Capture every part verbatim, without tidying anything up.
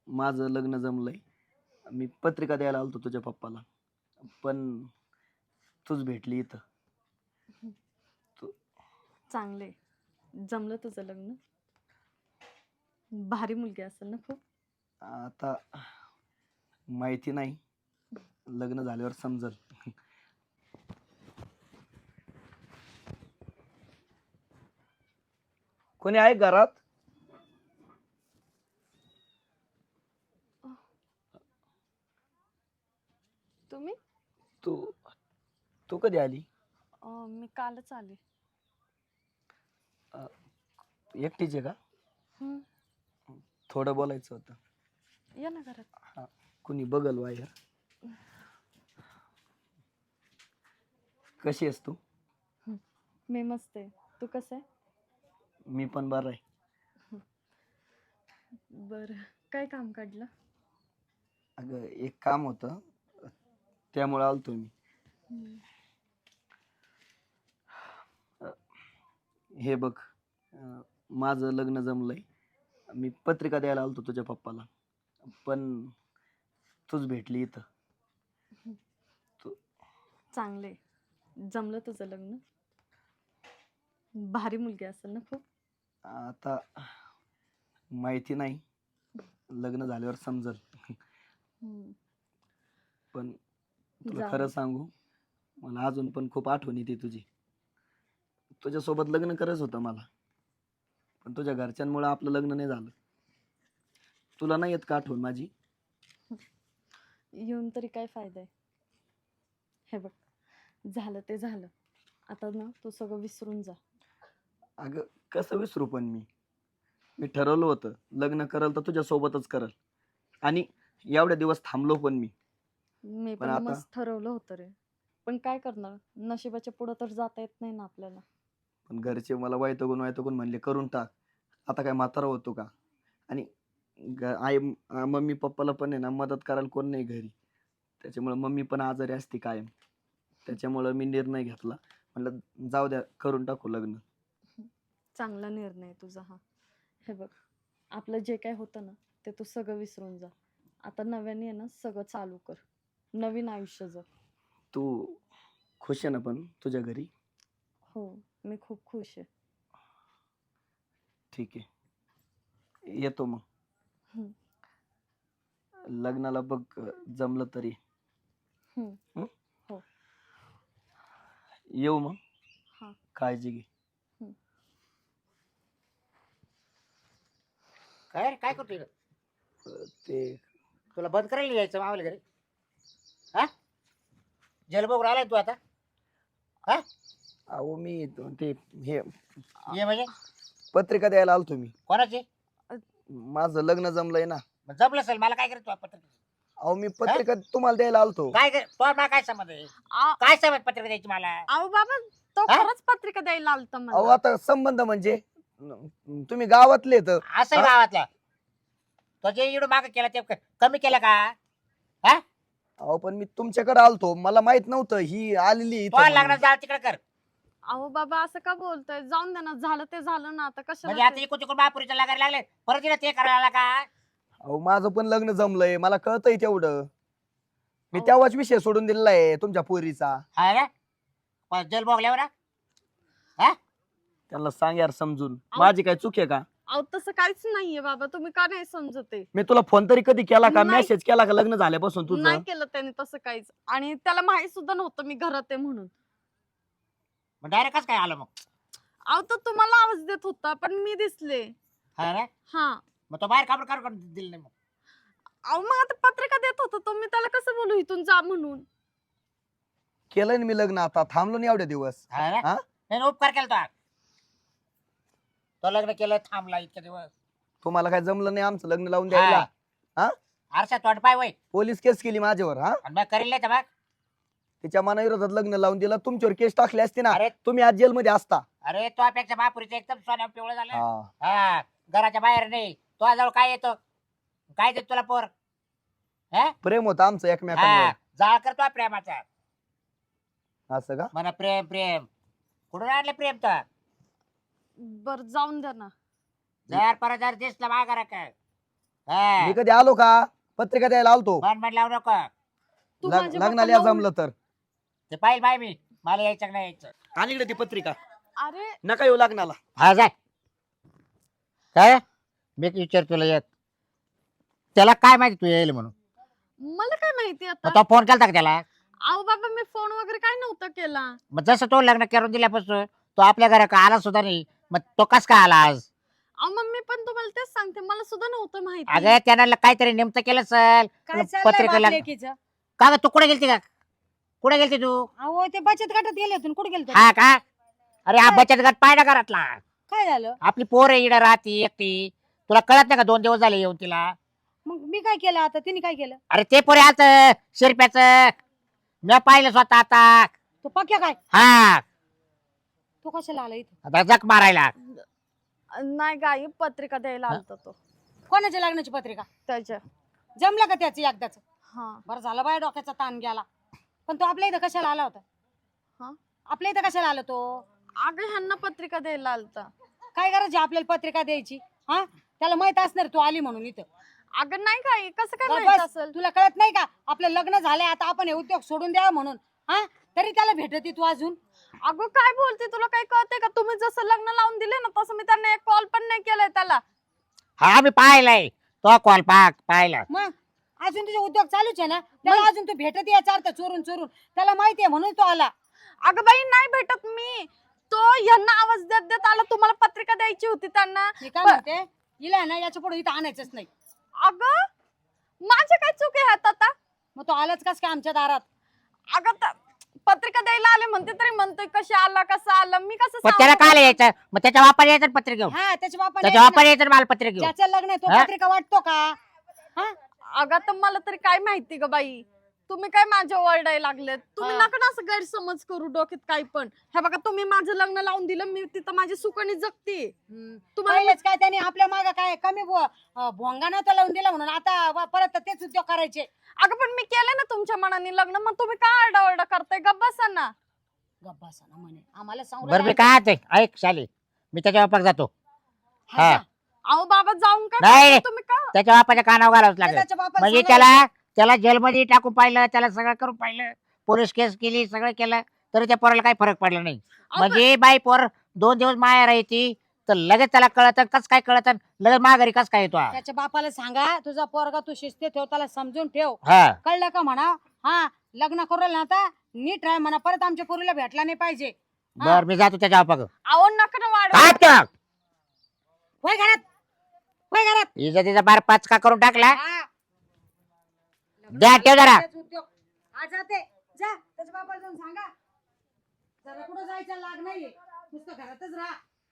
माझं लग्न जमलंय. मी पत्रिका द्यायला आलतो तुझ्या पप्पाला, पण तूच भेटली इथं. तू चांगले जमलं तुझं लग्न. भारी मुलगी असेल ना खूप. आता माहिती नाही, लग्न झाल्यावर समजल. कोणी आहे घरात? तुम्ही? तू तू कधी आली? अं, मी कालच आले. एकटीच आहे का? हम्म, थोडं बोलायचं होतं. या ना घरात. हा, कुणी बघल बाहेर. कशी आहेस तू? हम्म, मी मस्त आहे. तू कसं आहे? मी पण बरं आहे. बरं, काय काम काढलं? अगं एक काम होतं, त्यामुळे आलतो मी. हम्म, हे बघ, अं, माझं लग्न जमलंय. मी पत्रिका द्यायला आलतो तुझ्या पप्पाला, पण तूच भेटली इथं. तू चांगले जमलं तुझं लग्न. भारी मुलगी असेल ना खूप. आता माहिती नाही, लग्न झाल्यावर समजल. हम्म, पण तुला जाऊ खरं दे. सांगू, मला अजून पण खूप आठवण येते तुझी. तुझ्यासोबत लग्न करायचं होतं मला, पण तुझ्या घरच्यांमुळे आपलं लग्न नाही झालं. तुला नाही येत का आठवण माझी? येऊन तरी काय फायदा आहे? हे बघ, झालं ते झालं. आता ना तू सगळं विसरून जा. अगं कसं विसरू, पण मी मी ठरवलं होतं लग्न करल तर तुझ्या सोबतच करल, आणि एवढ्या दिवस थांबलो पण मी. मी पण पण आता मस्त ठरवलं होतं रे, पण काय करणार, नशिबाच्या पुढं तर जाता येत नाही ना आपल्याला. पण घरचे मला वैतागून वैतागून म्हणले करून टाक. आता काय म्हातारा होतो का? आणि ग- आई अं, मम्मी पप्पाला पण आहे ना मदत करायला कोण नाही घरी. त्याच्यामुळे मम्मी पण आजारी असते कायम. त्याच्यामुळं मी निर्णय घेतला, म्हणलं जाऊ द्या, करून टाकू लग्न. चांगला निर्णय आहे तुझा हा. हे बघ, आपलं जे काय होतं ना ते तू सगळं विसरून जा. आता नव्याने आहे ना सगळं चालू कर, नवीन आयुष्य जग. तू खुश आहे ना पण तुझ्या घरी? हो, मी खूप खुश आहे. ठीक आहे, येतो मग. हम्म, लग्नाला बघ, जमलं तरी. हम्म, हं? हो. येऊ मग. हा. काळजी घे. हम्म. काय रे, काय करतोय रे? अं, ते तुला बंद करायला यायचं मावल्या घरी? हा, जलबोग आलाय तू आता? हा, अहो मी ते हे ये म्हणजे पत्रिका द्यायला आलतो मी. कोणाची? माझं लग्न जमलंय ना. मग जमलं असेल, मला काय करतो पत्र? अहो मी पत्रिका तुम्हाला द्यायला आलतो. काय कर तो, मला काय समज आहे? आ- काय समज पत्रिका द्यायची मला? अहो बाबा, तो हा? खरंच पत्रिका द्यायला आलता अहो मला. आता संबंध म्हणजे न- तुम्ही गावातले तर. असं हा? गावातल्या तो जे इकडं माग केला ते क- कमी केलं का? हा, अहो पण मी तुमच्याकडे आलतो, मला माहित नव्हतं ही आलेली इथं तो म्हणून. लग्नात जाल तिकडे कर. अहो बाबा, असं का बोलतोय? जाऊन दे ना, झालं ते झालं ना, आता म्हणजे कशाला आता ते- इकडून तिकडून महापुरीच्या लागायला लागले, परत तिला ते करायला का? अहो माझं पण लग्न जमलंय, मला कळतंय तेवढं. मी अहो. तेव्हाच विषय सोडून दिलेला आहे तुमच्या पोरीचा. हा ना, पण जलबोगल्यावर ना? हा, त्यांना सांग यार समजून, अहो. माझी काय चूक आहे का? अहो तसं काहीच नाहीये बाबा, तुम्ही का नाही समजते? मी तुला फोन तरी कधी केला का, नाही. मेसेज केला का लग्न झाल्यापासून तुझं? नाही केलं त्याने तसं काहीच, आणि त्याला माहित सुद्धा नव्हतं मी घरात आहे म्हणून. मग डायरेक्ट कसं काय आलं मग? अहो तो तुम्हाला आवाज देत होता, पण मी दिसले. हा ना, हा. मग तो बाहेर कापड काढून दिलं नाही मग? अहो मग आता पत्रिका देत होता तो, मी त्याला कसं बोलू इथून जा म्हणून? केलंय ना मी लग्न, आता थांबलो नाही एवढे दिवस. हा ना? हा? नाही नाही, उपकार केला तो. तो लग्न केलं, थांबला इतके दिवस. तुम्हाला काय जमलं नाही आमचं लग्न लावून द्यायला? हा? आरसा तोंड पाय वय, पोलीस केस केली माझ्यावर. हा, आणि मग करेल नाही तर मग? तिच्या मनाविरोधात लग्न लावून दिलं, तुमच्यावर केस टाकली असते ना, अरे तुम्ही आज जेलमध्ये असता. अरे, तो पेक्षा महापुरीचं एकदम सोन्या पिवळं झालं. हा. हा, घराच्या बाहेर नाही. तो जवळ काय येतो, काय देत तुला पोर? हा, प्रेम होतं आमचं हा, एकमेकांवर. जाळ करतो प्रेमाचा. असं का? म्हणा प्रेम प्रेम, कुठून आणलं प्रेम तर? बर जाऊन द्या ना. जर परत जर दिसला माघारा काय, हा. मी कधी आलो का पत्रिका द्यायला आलतो मन मन लावू नको. तू लग- माझ्या लग्नाला पप्पाला जमलं तर ते पाहिजे बाय मी मला यायचं का नाही यायचं. आणि इकडे ती पत्रिका अरे नका येऊ लग्नाला. हा जाय काय मी विचार तुला येत त्याला काय माहिती तू येईल म्हणून मला काय माहिती मग आता तो फोन केला का त्याला अहो बाबा मी फोन वगैरे काय नव्हता केला. मग जसं तो लग्न करून दिल्यापासून तो आपल्या घरा का आला सुद्धा नाही मग तो कस काय आला आज अहो मम्मी पण तुम्हाला तेच सांगते मला सुद्धा नव्हतं माहिती. अगं त्यानं ल- काहीतरी नेमकं केलं सर काय चाललंय पत्रिका बाप लाग- लेकीचं? का ग तू कुठे गेलती का कुठे गेलती तू अहो ते बचत गटात गेले होते कुठे गेले हा का अरे हा बचत गट पाहिला घरातला काय झालं आपली पोर आहे इकडे राहती एकटी तुला कळत नाही का दोन दिवस झाले येऊन तिला मग मी काय केलं आता तिने काय केलं अरे ते पोरे आलत शिरप्याच मी पाहिलं स्वतः आता तो पक्या काय हा तो कशाला आला इथं आता जक मारायला नाही गाई पत्रिका द्यायला आलता तो कोणाच्या लग्नाची पत्रिका त्याच्या. जमलं का त्याचं एकदाच हा बरं झालं बाय डोक्याचा ताण गेला पण तो आपल्या इथं कशाला आला होता हा? आपल्या इथं कशाला आला तो अगं ह्यांना पत्रिका द्यायला आलता. काय गरज आहे आपल्याला पत्रिका द्यायची हा त्याला माहित असणार तू आली म्हणून इथं अगं नाही गाई कसं काय बस, माहित बस. असेल. तुला कळत नाही का आपलं लग्न झालंय आता आपण हे उद्योग सोडून द्यावा म्हणून हा तरी त्याला भेटती तू अजून अगं काय बोलते तुला काही कळते का तुम्ही जसं लग्न लावून दिले ना तसं मी त्यांना एक कॉल पण नाही केलाय त्याला. हा मी पाहिलाय तो कॉल पाक पाहिला मग अजून तुझे उद्योग चालूच आहे ना त्याला अजून तू भेटत याचा अर्थ चोरून चोरून त्याला माहिती आहे म्हणून तो आला अगं बाई नाही भेटत मी. तो ह्यांना आवाज देत देत आला तुम्हाला पत्रिका द्यायची होती त्यांना. मी काय प- म्हणते हिला ना याच्या पुढे इथं आणायचंच नाही अगं माझे काय चूक आहे ह्यात आता. मग तो आलाच कस काय आमच्या दारात अगं त- पत्रिका द्यायला आले म्हणते तरी म्हणतोय कशी आला कसा आला मी कसं पण त्याला सांगू? काय यायचं मग त्याच्या वापर यायचं ना पत्रिका घेऊन हा त्याच्या बापाने त्याच्या वापर यायचं ना मला पत्रिका घेऊन ज्याचं लग्न आहे तो हा? पत्रिका वाटतो का हा अगं तर मला तरी काय माहिती ग बाई. तुम्ही काय माझ्या ओरडायला लागलेत. तुम्ही हा. नका ना असं गैरसमज करू डोक्यात काही पण. हे बघा तुम्ही माझं लग्न लावून दिलं मी तिथं माझी सुकणी जगते. हम्म. तुम्हाला पहिलेच काय त्याने आपल्या माग काय कमी भो- अं, भोंगा नव्हता लावून दिला म्हणून आता वा- परत तेच उद्योग करायचे अगं पण मी केलं ना तुमच्या मनाने लग्न मग तुम्ही काय आरडाओरडा करताय गप्प बसा ना. गप्पा ना म्हणे आम्हाला सांगू बरं मी राहिला. काय ते ऐक शाली मी त्याच्या वापर जातो हा, हा. जा. अहो बाबा जाऊन काय नाही. करताय तुम्ही का त्याच्या वापाच्या कानावर घालावंच लागेल त्याच्या बापाला म्हणजे सांगायला त्याला त्याला जेलमध्ये टाकून पाहिलं त्याला सगळं करून पाहिलं पोलीस केस केली सगळं केलं तरी त्या पोराला काही फरक पडला नाही अहो, म्हणजे बाई पोर दोन दिवस माया राहायची तर लगेच त्याला कळत कस काय कळत लगेच माघारी कस काय येतो हा? त्याच्या बापाला सांगा तुझा पोरगा तू शिस्ती ठेव त्याला समजून ठेव हा कळलं का म्हणा हा लग्न करू ना आता नीट राह म्हणा परत आमच्या पोरीला भेटला नाही पाहिजे हा. बर मी जातो त्याच्या वापा अहो नका ना वाढवा. काय होय घरात होय घरात इज्जतीचा बार पाचका करून टाकला हा. द्या, ठेव जरा. तेच उद्योग. हा जाते जा त्याच्या बापाला जाऊन सांगा जरा कुठं जायचं लाग नाहीये नुसतं घरातच राहा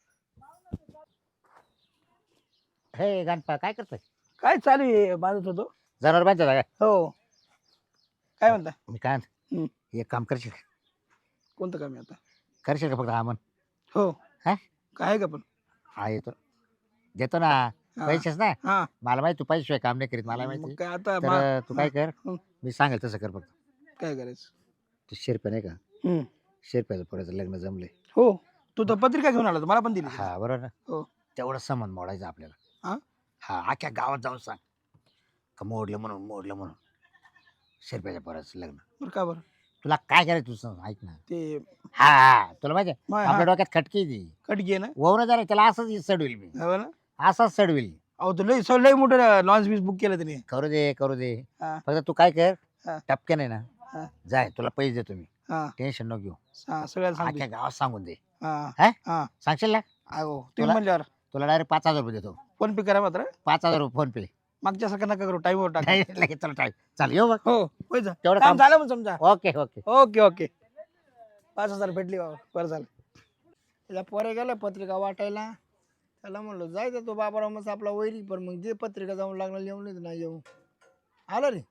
हे गणपा काय करतोय काय चालू आहे बांधत होतो. जनावर बांधतो का हो काय म्हणता मी काय हम्म. म्हणतो, एक काम करशील कोणतं काम आहे आता. करशील का फक्त आमन हो हा? काय आहे का पण हा येतो देतो ना हा. पैसेच ना हा मला माहिती तू पैसे काम नाही करीत मला मग माहिती काय आता मा- तर तू काय कर हं. मी सांगेल तसं कर फक्त काय करायचं. तू शेरप्या नाही का हम्म. शेरप्याचं पोराचं लग्न जमलंय हो तू तर पत्रिका घेऊन आला होता, मला पण दिली. हा बरोबर ना हो. तेवढं संबंध मोडायचं आपल्याला हा? हा अख्ख्या गावात जाऊन सांग का मोडलं म्हणून मोडलं म्हणून शेरप्याच्या पोराचं लग्न बरं का बरं तुला काय करायचं तू सांग ऐक ना ते हा हा तुला माहिती आहे, मा- आपल्या हा, डोक्यात खटकी आहे ती कटकी आहे ना. वरून जरा त्याला असंच सडविल मी हो ना. असंच सडविल अहो तो लय सो लय मोठं लॉन्च बीस बुक केलं त्याने. करू दे करू दे हा. फक्त तू काय कर हा. टपके नाही ना हा. जाय तुला पैसे देतो मी हा टेन्शन नको घेऊ हा सगळ्याला अख्ख्या सांगतो. गावात सांगून दे हा हा? हा सांगशील ना अहो तुम्ही तुला- म्हणल्यावर तुला डायरेक्ट पाच हजार रुपये देतो फोन पे करा मात्र. पाच हजार रुपये फोन पे मागच्या सारखं नका करू टाइमवर टाका. नाही लगेच तुला टाईम चाल येऊ बघ हो होय जा. तेवढं काम काम झालं मग समजा. ओके ओके ओके ओके पाच हजार भेटली बाबा बरं झालं. त्याला पोरे गेला पत्रिका वाटायला त्याला म्हणलो जायचं तो बाबाराव मग आपला वैरी पण मग जे पत्रिका जाऊन लागणार येऊन नाही येऊ आलं रे.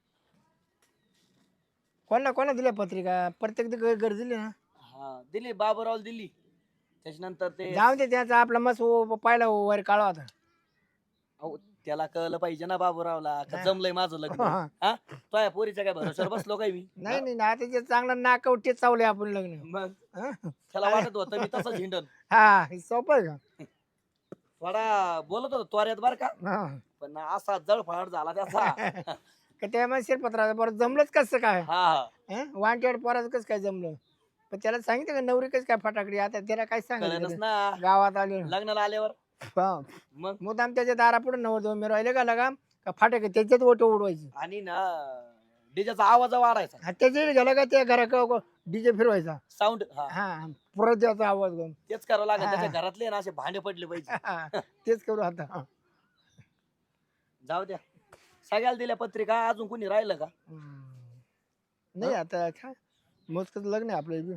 कोणा कोणा दिल्या पत्रिका प्रत्येक घर घर दिली ना. हा दिली बाबूराव दिली त्याच्यानंतर ते जाऊ दे त्याचा आपला मस्त पाहिला वर काळा होता. अहो, त्याला कळलं पाहिजे ना बाबूरावला का जमलंय माझं लग्न हा. हा तो या पोरीच्या काय भरोश्यावर बसलो काय मी नाही नाही ना त्याचे चांगलं नाकवटे चावले आपण लग्न. मग हा? त्याला वाटत होतं मी तसं झिंडन हा हे सोपं आहे का. थोडा बोलत होतो त्वऱ्यात बर का हा पण असा जळफळाट झाला त्याचा. का त्यामुळे शिरपत्राचं बरं जमलंच कसं काय हा हा वांटेड पोराचं कसं काय जमलं पण त्याला सांगितलं का नवरी कसं काय फटाकडी आता त्याला काय कळलंच सांगितलं ना गावात आले लग्नाला आल्यावर मग मुदाम त्याच्या दारापुढे नवर दोन मी राहिले का लगा का फाटक त्याच्यात ओटो उडवायची आणि ना डीजेचा आवाज वाढायचा हा त्याच्या गेला का त्या घरा डीजे फिरवायचा साऊंड हा परत त्याचा आवाज घेऊन तेच करावं लागेल हा. त्याच्या घरातले ना असे भांडे पडले पाहिजे. तेच करू आता जाऊ द्या सगळ्याला दिल्या पत्रिका अजून कोणी राहिलं का? हम्म. नाही आता काय मोजकच लग्न आहे आपलं बी.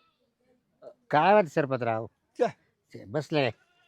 काय वाटत सरपतराव च्या. ते बसले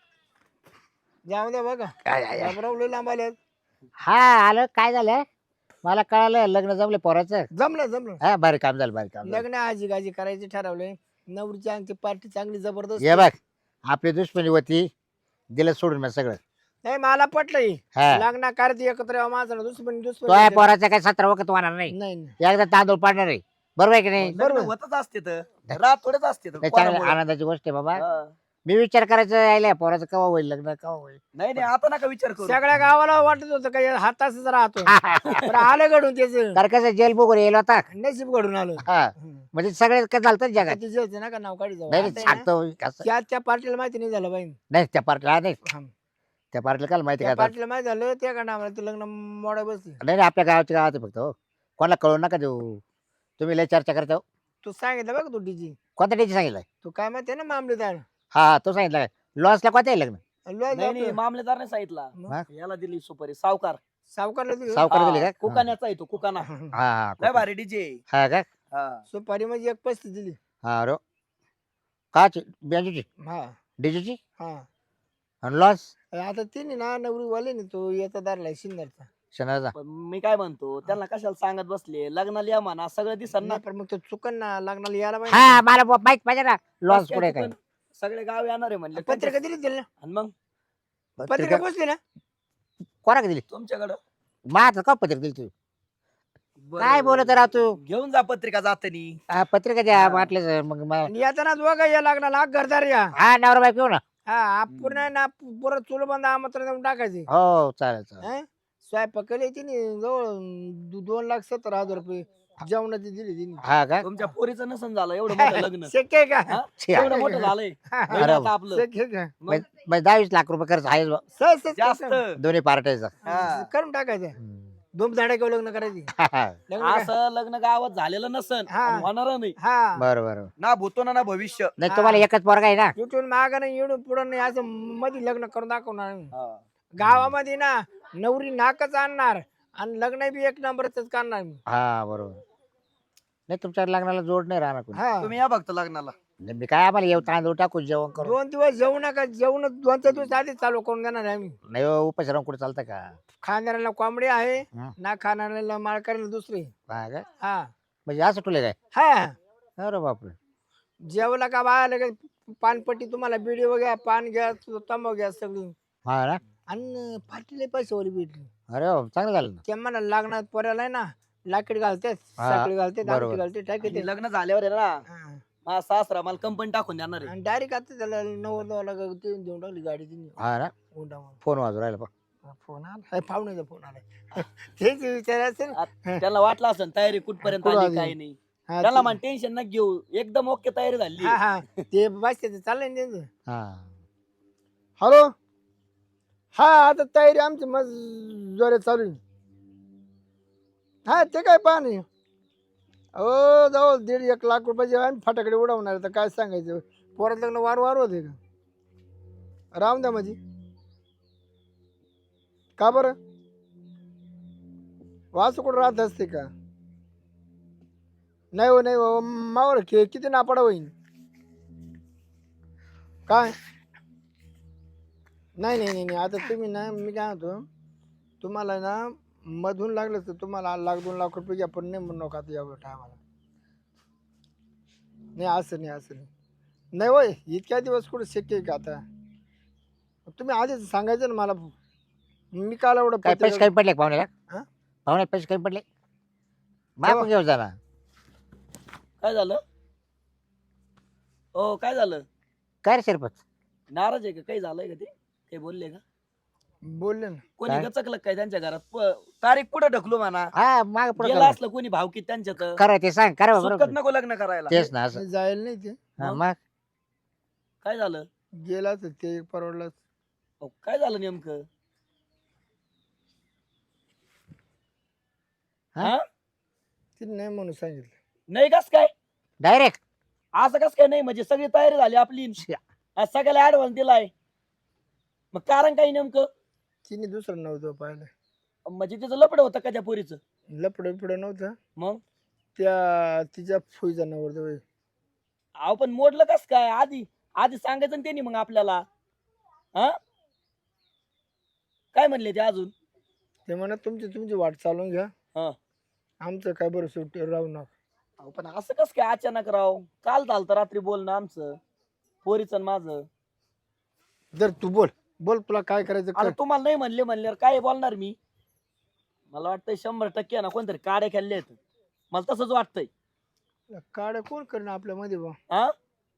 जाऊ द्या बघा काय आहे? बाबराव लय लांब आले हा आलं काय झालं मला कळालं लग्न जमलं पोराचं जमलं जमलं हा बरं काम झालं बरं काम झालं. लग्न आजी गाजी करायचे ठरवले नवरीची आमची पार्टी चांगली जबरदस्त ये बघ आपली दुश्मनी होती दिलं सोडून मी सगळं नाही मला पटलं ही. हा लग्न करते एकत्र यावं माझं दुश्मन तो आहे दुश्मन पोराचा काय सतरा वखत होणार नाही नाही नाही. एकदा तांदूळ पाडणार आहे बरोबर आहे की नाही बरोबर. लग्न होतच असते तर रात थोडेच असते तर. नाही, चांगली कोणामुळे? आनंदाची गोष्ट आहे बाबा हा. मी विचार करायचं यायला पोराचं कवा होईल लग्न कवा होईल नाही नाही आता नका विचार करू. सगळ्या गावाला वाटत होतं का या हाताच राहतो पण आलं घडून त्याच तर कसं जेल बघून येईल होता नशीब घडून आलं हा हम्म. म्हणजे सगळे काय झालं जगात तिचे होते ना का नाव काढी जाऊ नाही आता नाही, आहे ना, सांगतो कसं त्या त्या पार्टीला माहिती नाही झालं बाई नाही त्या पार्टीला नाही हा. त्या पार्टीला काय माहिती त्या काय पार्टीला माहिती झालं त्या का नावाला ते लग्न मोडा बसले नाही नाही, आपल्या गावाच्या गावात आहे फक्त हो कोणाला कळू नका देऊ तुम्ही लय चर्चा करता हो. तू सांगितलं बघ तू डीजी कोणत्या डेची सांगितलं तू काय माहिती आहे ना मामलेदार हा हा, तो सांगितलं काय लॉसला कोणत्या आहे लग्न लय नाही नाही जातो. मामलेदारने सांगितला हा? याला दिली सुपारी सावकार. सावकारला दिली. सावकार दिली हा, का कुकाण्याचा आहे तो कुकाना. हा हा लय हा भारी डीजे. हा का हा सुपारी म्हणजे एक पस्तीस दिली हा रो काची बियांची हा डीजेची हा आणि लॉस आता तिने ना नवरी वाले ना तो याचा दारला शिंदरचा शनाचा पण मी काय म्हणतो त्यांना कशाला सांगत बसले लग्नाला या म्हणा सगळं दिसन ना. नाही पण मग तो चुकन ना लग्नाला यायला हा पाहिजे मला माहित पाहिजे ना लॉस बस काय पुढे काय चुकन. सगळे गाव येणार आहे म्हणले पत्रिका दिली दिली ना आणि मग पत्रिका पोचली ना कोणाकडे दिली तुमच्याकडं माझं का पत्रिका दिली तू बरं. काय बोलत राह तू घेऊन जा पत्रिका जातानी. हा, पत्रिका द्या हा. म्हटलं मग मला- आणि येताना बघा या लग्नाला हा घरदार या हा नवरा बायको येऊ ना हा आप पूर्ण ना पुरं चुल बंद आमंत्रण देऊन टाकायचे हो चालेल चालेल हं? स्वयंपाक केले तिने जवळ दो- दोन लाख सत्तर हजार रुपये जेवणाची दिली तिने हा का तुमच्या पोरीचं नसन झालं एवढं मोठं लग्न. शक्य आहे का हा? छे. एवढं मोठं झालंय होईल आता आपलं. शक्य आहे का मग म्हणजे दहावीस लाख रुपये खर्च आहे बा. सहज सहज जास्त कसं? दोन्ही पार्ट्याचा हा. करून टाकायचं दोन झाडे घेऊन लग्न करायची लग्न काय? असं लग्न गावात झालेलं नसन हा. आणि होणार नाही हा बरं बरं ना भूतो ना ना भविष्य. नाही तुम्हाला एकच पोरगा आहे ना इथून माग नाही येऊन पुढं नाही असं मध्ये लग्न करून दाखवणार आम्ही. हा. गावामध्ये ना नवरी नाकच आणणार आणि लग्न बी एक नंबरच करणार मी हा बरोबर नाही तुमच्या लग्नाला जोड नाही राहणार कोणी हा तुम्ही या बघतो लग्नाला. नाही, मी काय आम्हाला येऊ तांदूळ टाकू जेवण करू दोन दिवस जेवू नका जेवण दोन चार दिवस आधी चालू करून देणार आहे आम्ही नाही हो, उपास राहून कुठे चालतं का खाणाऱ्याला कोंबडी आहे हा. ना खाणाऱ्याला माळकऱ्याला दुसरी हा का हा म्हणजे असं ठुले काय हा अरे बापरे जेवला का बाया लगेच पानपट्टी तुम्हाला बिडी वगैरे पान घ्या तंबाखू घ्या सगळी हा ना आणि पाटील पैसे वरी भेटली अरे वा, चांगलं झालं ना ते मला लागणार पोऱ्याला आहे ना लाकीट घालते हा, साखळी घालते बरोबर. दारू घालते टाकी आणि लग्न झाल्यावर आहे ना हा. माझा सासरा मला कंपनी टाकून देणार आहे. आणि डायरेक्ट आता त्याला नव्वद लाख ते देऊन टाकली गाडी तिने हा ना हुंडामध्ये. फोन वाजू राहिला पा फोन आला पाहुण्याचा फोन आला तेच विचारायचं ना. त्यांना वाटलं असेल तयारी कुठपर्यंत कुठं आली आली? काय नाही. हा, त्याला ते- म्हण टेन्शन न घेऊ एकदम ओके तयारी झाली. हा हा ते बस ते चाललंय ना त्यांचं हा हॅलो हा आता तयारी आमची मग जोरे चालू आहे. हा ते काय पहा नाही अहो जाऊ दीड एक लाख रुपयाचे आम्ही फटाकडे उडवणार तर काय सांगायचं पोरात लग्न वार वार होते का राम द्या माझी का बरं वास कुठं राहत असते का नाही हो नाही हो मावर खे किती नापाडा होईल काय नाही नाही नाही नाही आता तुम्ही ना मी काय म्हणतो तुम्हाला ना मधून लागलं तर तुम्हाला लाख दोन लाख रुपये घ्या पण नाही म्हणू नका आता एवढं टायमाला नाही असं नाही असं नाही नाही होय इतक्या दिवस कुठं शक्य आहे का आता तुम्ही आधीच सांगायचं ना मला मी काल एवढं काय पैसे पत्रिका- कमी पडले का पाहुण्याला हा? पाहुण्यात पैसे कमी पडले मागून घेऊ जरा काय झालं हो काय झालं काय रे शिरपत नाराज आहे का काही झालंय का ते काही बोलले का बोलले ना कोणी काय? गचकलं काय त्यांच्या घरात प- तारीख पुढे ढकलू म्हणा हा माग पुढे गेला असलं कोणी भावकीत त्यांच्यात खरं ते सांग खरं सुटकत बरोबर नको लग्न करायला तेच ना असं मी जायला नाही ते हा, मग? मग काय झालं गेला तर ते परवडलं अहो, काय झालं नेमकं हा? हा तिने नाही म्हणून सांगितलं नाही कस काय डायरेक्ट असं कस काय नाही म्हणजे सगळी तयारी झाली आपली आज सगळ्याला ऍडव्हान्स दिलाय मग कारण काही नेमकं तिने दुसरं नव्हतं पाहिलं म्हणजे तिचं लपड होतं का त्या पोरीचं लपड बिपड नव्हतं मग त्या तिच्या फुईचा नवरदेव आहे. अहो पण मोडलं कस काय आधी आधी सांगायचं ना त्यांनी मग आपल्याला हा काय म्हणले ते अजून ते म्हणत तुमची तुमची वाट चालवून घ्या हा. आमचं काय बरं सुट्टी राहू नका अहो पण असं कस काय अचानक राव काल झालं रात्री बोलणं आमचं पोरीचं आणि माझं जर तू बोल बोल तुला काय करायचं आता कर तुम्हाला नाही म्हणले म्हणल्यावर काय बोलणार मी मला वाटतंय शंभर टक्के ना कोणतरी काड्या खेळले आहेत मला तसंच वाटतंय काड्या कोण करणं आपल्या मध्ये बा हा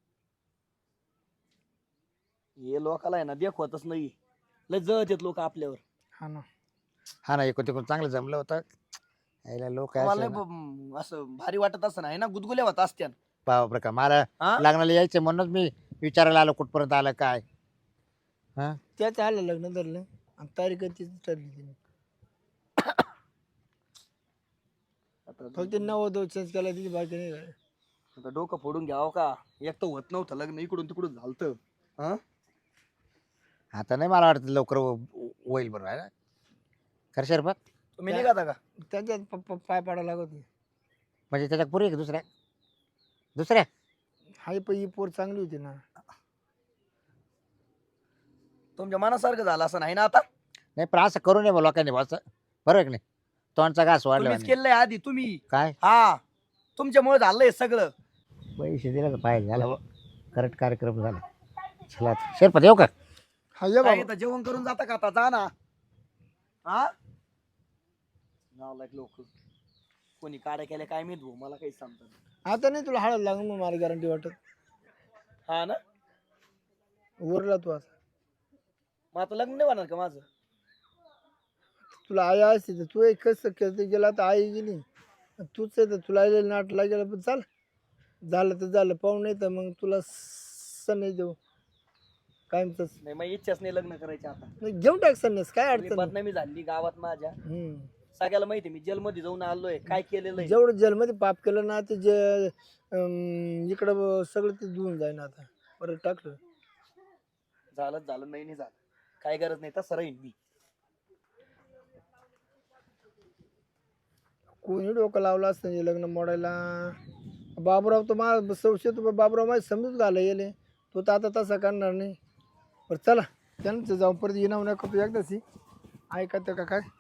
हे लोकाला आहे ना देखवतच नाही लय जळत येत लोक आपल्यावर हा ना हा ना एकूण तिकडून चांगलं जमलं होतं यायला लोक मला लय ब- असं भारी वाटत असं आहे ना गुदगुल्या होत असत्या बापरे का मला हा? लग्नाला यायचं म्हणूनच मी विचारायला आलो कुठपर्यंत आलं काय त्याच आलं लग्न धरलं आणि तारीख तिची ठरली तिने फक्त नव्वद चेंज केला तिची बाकी नाही झाली. आता डोकं फोडून घ्यावं का एक तर होत नव्हतं लग्न इकडून तिकडून झालतं हा आता नाही मला वाटतं लवकर हो- होईल बरोबर आहे ना खरं शरपत तुम्ही निघाता का त्याच्यात प- प- पाय पाडायला लागत होती. म्हणजे त्याच्या पुरी का दुसऱ्या दुसऱ्या हाय पण ही पोर चांगली होती ना तुमच्या मनासारखं झालं असं नाही ना आता नाही पण असं करू नये बा लोकांनी बा असं बरोबर की नाही तोंडचा घास वाढला तुम्हीच केलंय आधी तुम्ही काय हा तुमच्यामुळे झालंय सगळं पैसे दिले तर पाहिजे झालं करेक्ट कार्यक्रम झाला चला आता. शरपत येऊ का हा ये काय बाबा इथं जेवण करून जाता का आता जा ना हा नाव लोक कोणी काड्या केल्या काय माहित भाऊ मला काही सांगतात आता नाही तुला हळद लागून मग मला गॅरंटी वाटत हा ना उरला तू आता मग आता लग्न नाही होणार का माझं तुला आई असते तर तू एक कसं केलं ते गेला तर आई गेली तूच आहे तर तुला आलेलं नाट लागेल पण चाल झालं तर झालं पाहून नाही तर मग तुला सण देऊ कायमच नाही मग इच्छाच नाही लग्न करायची आता घेऊन टाक सन्यास काय मी अडचण नाही. बदनामी झाली गावात माझ्या हम्म. सगळ्याला माहिती मी जेलमध्ये जाऊन आलोय काय केलेलं आहे जेवढं जेलमध्ये पाप केलं ना ते जे अं, इकडं ब- सगळं ते धुवून जाईन आता परत टाकलं झालं झालं नाही नाही झालं काय गरज नाही तसं राहीन मी कोणी डोकं लावलं असतं हे लग्न मोडायला बाबूराव तर माझा संशय तो बाबूराव माझी समजूत घाला येले तो तर आता तसा करणार नाही बरं चला त्यांचं जाऊन परत येणार नका तू एकदाच ऐका का काय